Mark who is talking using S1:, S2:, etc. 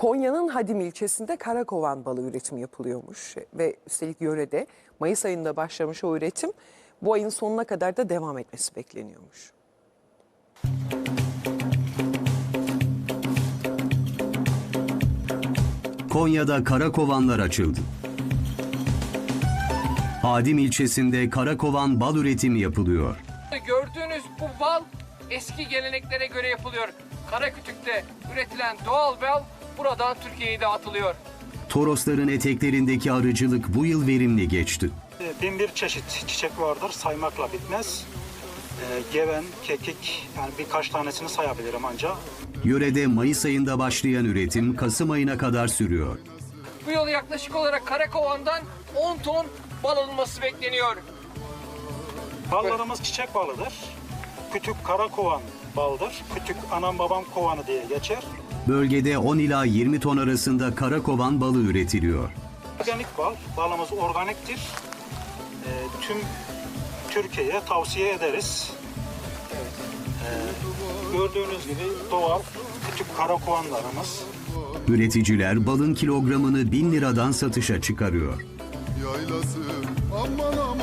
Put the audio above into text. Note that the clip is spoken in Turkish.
S1: Konya'nın Hadim ilçesinde karakovan balığı üretimi yapılıyormuş ve üstelik yörede Mayıs ayında başlamış o üretim bu ayın sonuna kadar da devam etmesi bekleniyormuş.
S2: Konya'da karakovanlar açıldı. Hadim ilçesinde karakovan bal üretimi yapılıyor.
S3: Gördüğünüz bu bal eski geleneklere göre yapılıyor. Karakütük'te üretilen doğal bal buradan Türkiye'ye dağıtılıyor.
S2: Torosların eteklerindeki arıcılık bu yıl verimli geçti.
S4: Bin bir çeşit çiçek vardır, saymakla bitmez. Geven, kekik, yani birkaç tanesini sayabilirim ancak.
S2: Yörede Mayıs ayında başlayan üretim Kasım ayına kadar sürüyor.
S3: Bu yıl yaklaşık olarak Karakovan'dan 10 ton bal alınması bekleniyor.
S4: Ballarımız çiçek balıdır. Kütük karakovan baldır. Kütük anam babam kovanı diye geçer.
S2: Bölgede 10 ila 20 ton arasında karakovan balı üretiliyor.
S4: Organik bal, balımız organiktir. Tüm Türkiye'ye tavsiye ederiz. Gördüğünüz gibi doğal kütük karakovanlarımız.
S2: Üreticiler balın kilogramını 1000 liradan satışa çıkarıyor.
S5: Yaylası aman aman.